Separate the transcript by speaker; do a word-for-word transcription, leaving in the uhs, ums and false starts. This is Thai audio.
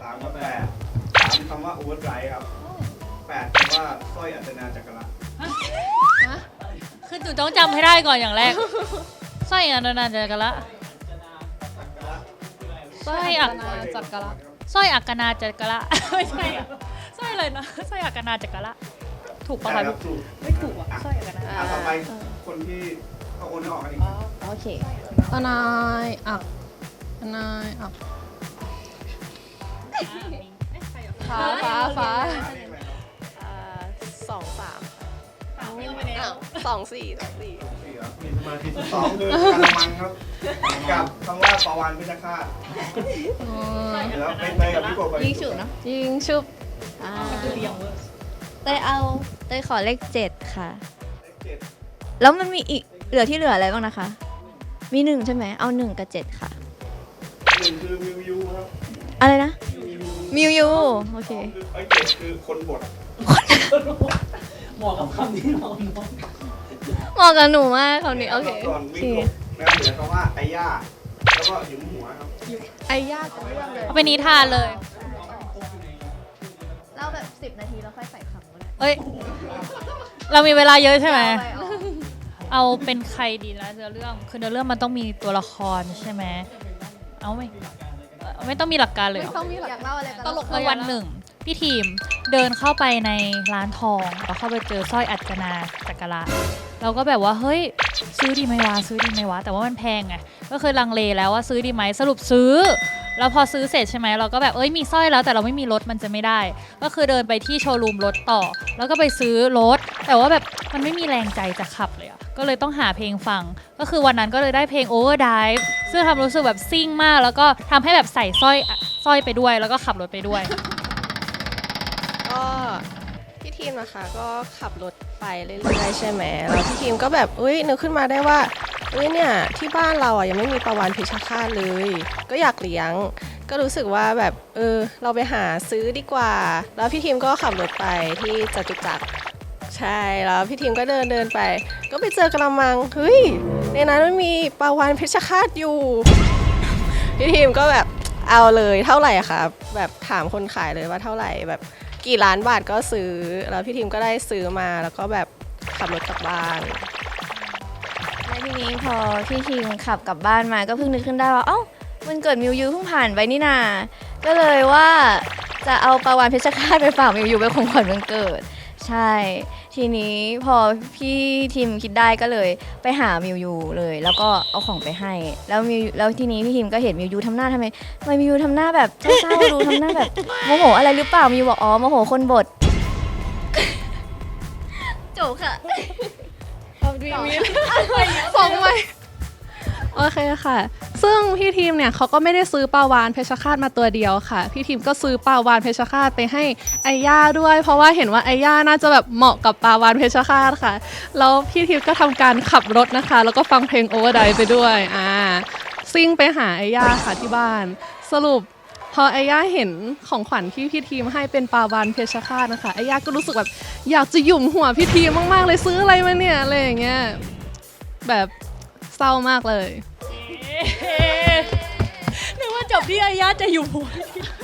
Speaker 1: ามกับแปดสามคำว่าโอเวอร์ไดรฟ์ครับแปดคำว่าสร้อยอัจนาจักรละ
Speaker 2: คือหนูต้องจำให้ได้ก่อนอย่างแรกสร้อยอัจนาจักระสร้อยอัก
Speaker 3: จักระ
Speaker 2: สร้อยอักนาจักระไม่ใช่อะสร้อยเลยนะสร้อยอักนาจักระถูกปะ
Speaker 1: ใช่
Speaker 2: คะ
Speaker 1: ครับถูก
Speaker 2: ไม่ถูกอ่ะสร้อยอักนา
Speaker 1: อ่ะต่อไปคนที่เขาโอนออกกันอีก
Speaker 3: โอเค
Speaker 4: อนายอักอนายอัก
Speaker 3: ฟ้าฟ้าฟ้า
Speaker 5: สองสามสองสี่สองสี่
Speaker 1: สี่ครับมีสมาธิสองคือกระมังครับกับคำว่าปาวานพิชฆาตแล้วเป็นไปกับพี่กบ
Speaker 3: ยิงฉุบเนาะ
Speaker 4: ยิงชุบ
Speaker 3: อ่าเต้ยเอาเต้ยขอเลขเจ็ดค่ะ
Speaker 1: เลขเจ็ด
Speaker 3: แล้วมันมีอีกเหลือที่เหลืออะไรบ้างนะคะ มีหนึ่งใช่ไหมเอาหนึ่งกับเจ็ดค่ะ
Speaker 1: หนึ่งคือมิวยูครับ
Speaker 3: อะไรนะ
Speaker 1: มิวยู
Speaker 3: มิวยูโอเค
Speaker 1: สองคือไอ้เจ็ดคือคนบด
Speaker 6: เหมาะกับคำที่เราเนาะ
Speaker 3: เหมาะกับหนูมากคำนี้โอเค
Speaker 1: ส่วน
Speaker 3: โอ
Speaker 1: วิ
Speaker 3: เค
Speaker 1: กบนะครับเหลือคำว่าไอ้ย่าแล้วก็หยุมหัวครับ
Speaker 4: ไอ้ยากเรื่องเลย
Speaker 2: เอาเป็นนิทานเลย
Speaker 3: เล่าแบบสิบนาทีแล้วค่อยใส่คำก็ได้
Speaker 2: เอ้ยเรามีเวลาเยอะใช่ไหม
Speaker 3: เอาไปเอา
Speaker 2: เอาเป็นใครดีนะเนื้อเรื่องคือเนื้อเรื่องมันต้องมีตัวละครใช่ไหมเอาไม่เอ่อไม่ต้องมีหลักการเลยเหรอ
Speaker 4: ต้องมีหลั
Speaker 3: อยาก กเล่าอะไรก็
Speaker 4: ต
Speaker 3: เล่า
Speaker 4: ลก
Speaker 2: คือวันหนึ่งพี่ทีมเดินเข้าไปในร้านทองแล้วเข้าไปเจอสร้อยอัจนาจักระเราก็แบบว่าเฮ้ยซื้อดีไหมวะซื้อดีไหมวะแต่ว่ามันแพงไงก็คือลังเลแล้วว่าซื้อดีไหมสรุปซื้อ แล้วพอซื้อเสร็จใช่ไหมเราก็แบบเอ้ยมีสร้อยแล้วแต่เราไม่มีรถมันจะไม่ได้ ก็คือเดินไปที่โชว์รูมรถต่อ แล้วก็ไปซื้อรถแต่ว่าแบบมันไม่มีแรงใจจะขับเลยอะก็เลยต้องหาเพลงฟัง ก็คือวันนั้นก็เลยได้เพลง Overdrive ซึ่งทำรู้สึกแบบซิ่งมาก แล้วก็ทำให้แบบใส่สร้อยสร้อยไปด้วย แล้วก็ขับรถไปด้วย
Speaker 5: ก็พี่ทีมนะคะก็ขับรถไปเรื่อยๆใช่ไหมแล้วพี่ทีมก็แบบอุ้ยนึกขึ้นมาได้ว่าอุ้ยเนี่ยที่บ้านเราอ่ะยังไม่มีปลาวาฬเพชรฆาตเลย ก็อยากเลี้ยง ก็รู้สึกว่าแบบเออเราไปหาซื้อดีกว่า แล้วพี่ทีมก็ขับรถไปที่จตุจักรใช่แล้วพี่ทีมก็เดินเดินไป ก็ไปเจอกระมังเฮ้ยในนั้นมันมีปลาวาฬเพชรฆาตอยู่ พี่ทีมก็แบบเอาเลยเท่าไหร่คะแบบถามคนขายเลยว่าเท่าไหร่แบบกี่ล้านบาทก็ซื้อแล้วพี่ทีมก็ได้ซื้อมาแล้วก็แบบขับรถกลับบ้าน
Speaker 3: แล้วทีนี้พอพี่ทีมขับกลับบ้านมาก็เพิ่งนึกขึ้นได้ว่าเอ้ามันเกิดมิวยูเพิ่งผ่านไปนี่นาก็เลยว่าจะเอาปลาวาฬเพชรฆาตไปฝากมิวยูเป็นของขวัญวันเกิด ใช่ ทีนี้พอพี่ทีมคิดได้ก็เลยไปหามิวยูเลย แล้วก็เอาของไปให้ แล้วมิวแล้วทีนี้พี่ทีมก็เห็นมิวยูทำหน้าทำไมทำไมมิวยูทำหน้าแบบเศร้าๆดูทำหน้าแบบโมโหอะไรหรือเปล่ามิวบอกอ๋อโมโหคนบด จบค่ะ
Speaker 4: สองใบโอเคค่ะ ซึ่งพี่ทีมเนี่ยเขาก็ไม่ได้ซื้อปลาวาฬเพชรฆาตมาตัวเดียวค่ะ พี่ทีมก็ซื้อปลาวาฬเพชรฆาตไปให้ไอย่าด้วย เพราะว่าเห็นว่าไอย่าน่าจะแบบเหมาะกับปลาวาฬเพชรฆาตค่ะ แล้วพี่ทีมก็ทำการขับรถนะคะ แล้วก็ฟังเพลง Overdrive ไปด้วยอ่าซิ่งไปหาไอย่าค่ะที่บ้าน สรุปพอไอย่าเห็นของขวัญที่พี่ทีมให้เป็นปลาวาฬเพชรฆาตนะคะไอย่าก็รู้สึกแบบอยากจะหยุมหัวพี่ทีมมากๆเลยซื้ออะไรมาเนี่ยอะไรอย่างเงี้ยแบบเศร้ามากเลย
Speaker 2: นึกว่าจบที่อายาจะอยู่หัว